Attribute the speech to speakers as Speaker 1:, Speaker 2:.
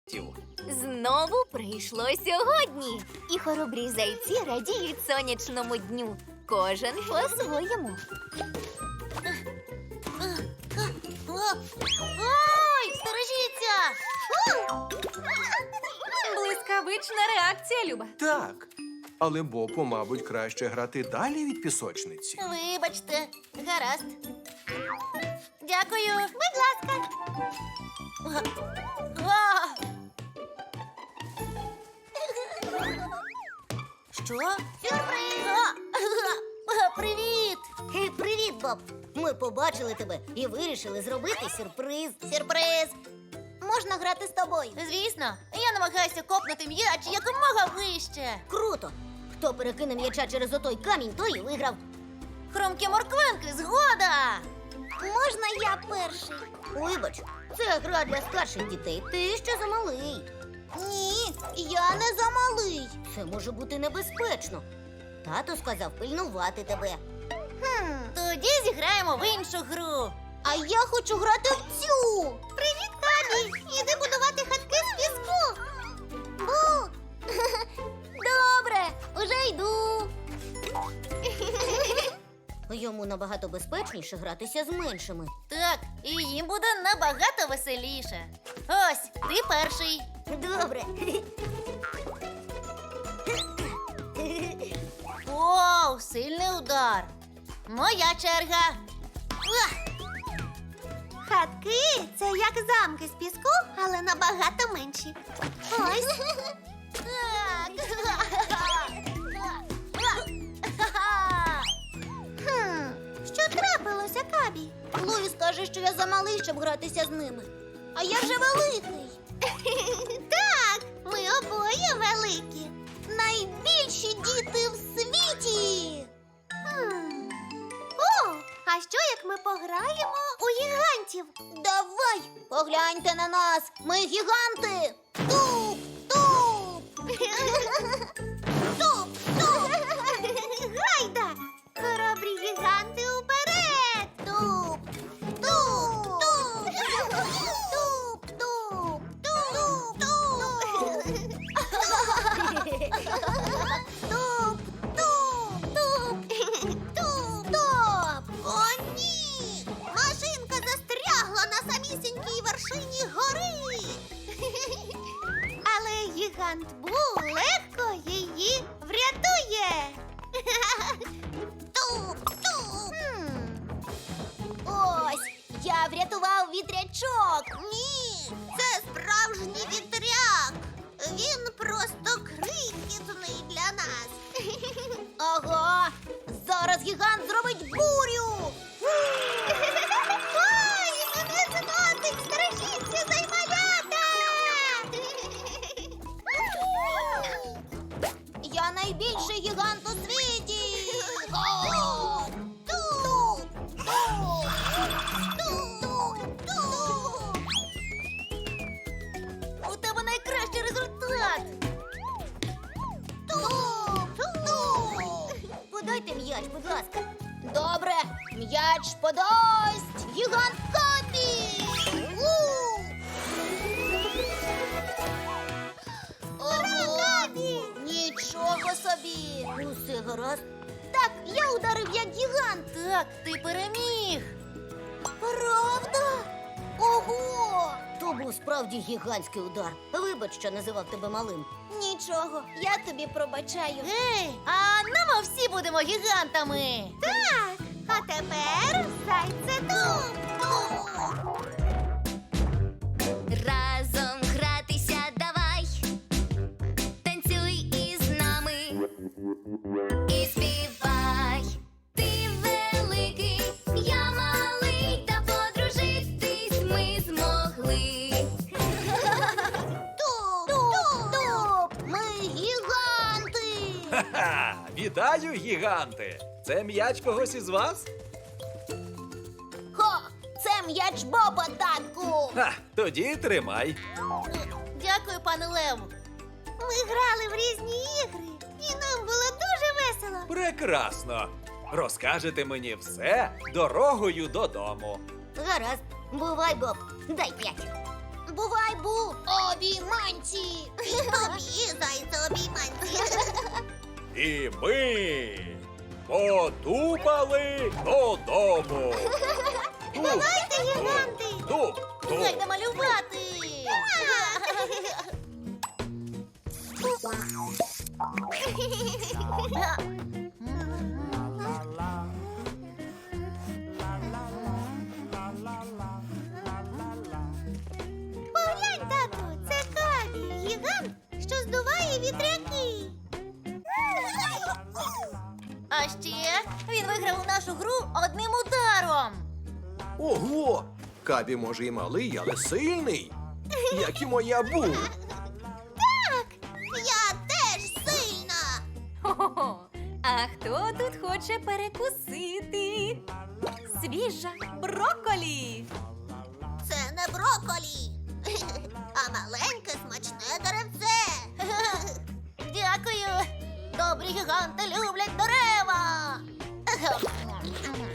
Speaker 1: Знову прийшло сьогодні, і хоробрі зайці радіють сонячному дню. Кожен по-своєму.
Speaker 2: Ой, стережіться!
Speaker 1: Блискавична реакція, Люба.
Speaker 3: Так. Але Бобу, мабуть, краще грати далі від пісочниці.
Speaker 2: Вибачте, гаразд. Дякую. Будь ласка. Що? Сюрприз! Привіт!
Speaker 4: Привіт, Боб! Ми побачили тебе і вирішили зробити сюрприз.
Speaker 2: Сюрприз!
Speaker 4: Можна грати з тобою?
Speaker 2: Звісно, я намагаюся копнути м'яч якомога вище.
Speaker 4: Круто! Хто перекине м'яча через отой камінь, той і виграв.
Speaker 2: Хромкі морквинки, згода!
Speaker 4: Можна я перший? Вибач, це гра для старших дітей. Ти ще замалий. Ні, я не замалий. Це може бути небезпечно. Тато сказав пильнувати тебе.
Speaker 2: Тоді зіграємо в іншу гру.
Speaker 4: А я хочу грати в цю. Привіт, Кабі! Іди будувати хатки з піску. Бу! Добре, уже йду. Йому набагато безпечніше гратися з меншими.
Speaker 2: Так, і їм буде набагато веселіше. Ось, ти перший.
Speaker 4: Добре.
Speaker 2: Воу, сильний удар. Моя черга. Уах!
Speaker 4: Хатки – це як замки з піску, але набагато менші. Ось. Що трапилося, Кабі? Луїс каже, що я замалий, щоб гратися з ними. А я вже великий. Так, ми обоє великі. Найбільші діти в світі. О, а що як ми пограємо у гігантів? Давай, погляньте на нас, ми гіганти. Туп, туп. Туп, туп. Гайда, хоробрі гіганти уперед. Туп, туп, туп. Туп, туп, туп, туп. Туп, туп, туп, туп, туп. О, ні! Машинка застрягла на самісінькій вершині гори. Але гігант Бу легко її врятує. Туп, туп. Ось, я врятував вітрячок. Ні, це справжній вітряк. Він просто крихітний для нас. Ага, зараз гігант зробить бурю. Ой, мене зносить, стережіться, займалята! Я найбільший гігант у світі. Туп, туп, туп, туп, туп.
Speaker 2: У тебе найкращий результат.
Speaker 4: Туп, туп. Подайте м'яч, будь ласка. Добре, м'яч подасть гігант Кабі. Ура, Кабі! Нічого собі. Усе гаразд. Так, я ударив як гігант.
Speaker 2: Так, ти переміг.
Speaker 4: Правда? Ого! То був справді гігантський удар. Вибач, що називав тебе малим. Нічого, я тобі пробачаю.
Speaker 2: Гей, а ну ми всі будемо гігантами.
Speaker 4: Так, а тепер зайце туп.
Speaker 1: Разом гратися давай. Танцюй із нами і співай. Ти великий, я малий, та подружитись ми змогли.
Speaker 4: Туп, туп, туп, ми гіганти.
Speaker 5: Ха! Вітаю, гіганти! Це м'яч когось із вас?
Speaker 4: Хо, це м'яч Боба, татку.
Speaker 5: Ха! Тоді тримай.
Speaker 2: Дякую, пане Лев.
Speaker 4: Ми грали в різні ігри, і нам було дуже весело.
Speaker 5: Прекрасно! Розкажете мені все дорогою додому.
Speaker 4: Гаразд, бувай, Боб. Дай 5. Бувай, Бу. Обіймай. тобі, зайце обійманці.
Speaker 5: І ми потупали додому.
Speaker 4: Давайте, гіганти.
Speaker 5: Туп.
Speaker 2: Гайда малювати.
Speaker 4: Поглянь, тату, це Кабі, гігант, що здуває вітряки.
Speaker 2: А ще він виграв у нашу гру одним ударом.
Speaker 3: Ого! Кабі може і малий, але сильний. Як і моя Бу.
Speaker 4: Я теж сильна.
Speaker 1: Хо-хо-хо. А хто тут хоче перекусити? Свіжа брокколі.
Speaker 4: Це не брокколі, а маленьке смачне деревце.
Speaker 2: Дякую. Добрі гіганти люблять дерева.